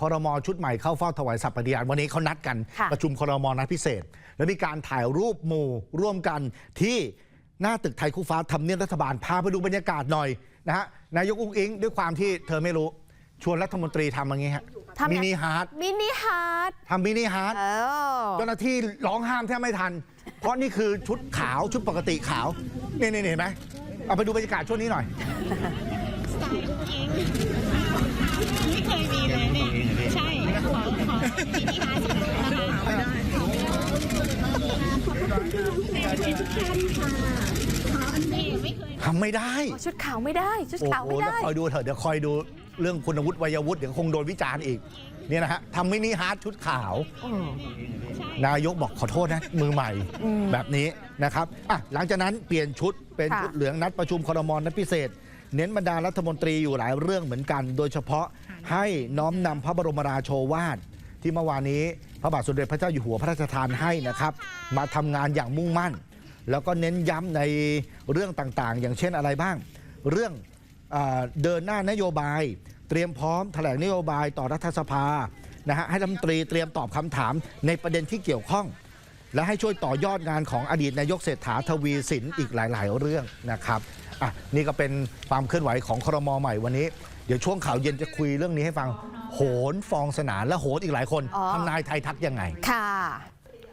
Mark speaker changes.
Speaker 1: รม.ชุดใหม่เข้าเฝ้าถวายสัตย์ปฏิญาณวันนี้เขานัดกันประชุมครม.นัดพิเศษแล้วมีการถ่ายรูปหมู่ร่วมกันที่หน้าตึกไทยคู่ฟ้าทำเนียบรัฐบาลพาไปดูบรรยากาศหน่อยนะฮะนายกอุ๊งอิ๊งด้วยความที่เธอไม่รู้ชวนรัฐมนตรีทำอย่างงี้ฮะมินิฮาร์ททำมินิฮาร์ทเจ้าหน้าที่ร้องห้ามแทบไม่ทันเพราะนี่คือชุดขาวชุดปกติขาวนี่เห็นไหมเอาไปดูบรรยากาศช่วงนี้หน่อย
Speaker 2: ไม่เคยมีเลยเนี่ยใช่ขอมินิฮาร์ท
Speaker 1: ทำไม่ได้
Speaker 3: ชุดขาวไม่ได้ชุดขาวไม่ได้
Speaker 1: คอยดูเถอะเดี๋ยวคอยดูเรื่องคุณวุฒิวัยวุฒิเดี๋ยวคงโดนวิจารณ์อีกเนี่ยนะฮะทำมินิฮาร์ทชุดขาว นายกบอกขอโทษนะมือใหม่แบบนี้นะครับหลังจากนั้นเปลี่ยนชุดเป็นชุดเหลืองนัดประชุมครม.นัดพิเศษเน้นบรรดารัฐมนตรีอยู่หลายเรื่องเหมือนกัน โดยเฉพาะให้น้อมนำพระบรมราโชวาทที่เมื่อวานนี้พระบาทสมเด็จพระเจ้าอยู่หัวพระราชทานให้นะครับมาทำงานอย่างมุ่งมั่นแล้วก็เน้นย้ำในเรื่องต่างๆอย่างเช่นอะไรบ้างเรื่องเดินหน้านโยบายเตรียมพร้อมแถลงนโยบายต่อรัฐสภานะฮะให้รัฐมนตรีเตรียมตอบคำถามในประเด็นที่เกี่ยวข้องและให้ช่วยต่อยอดงานของอดีตนายกเศรษฐาทวีสินอีกหลายๆเรื่องนะครับนี่ก็เป็นความเคลื่อนไหวของครม.ใหม่วันนี้เดี๋ยวช่วงข่าวเย็นจะคุยเรื่องนี้ให้ฟังโหนฟองสนานและโหนอีกหลายคนทำนายไทยทักยังไง
Speaker 3: ค่ะ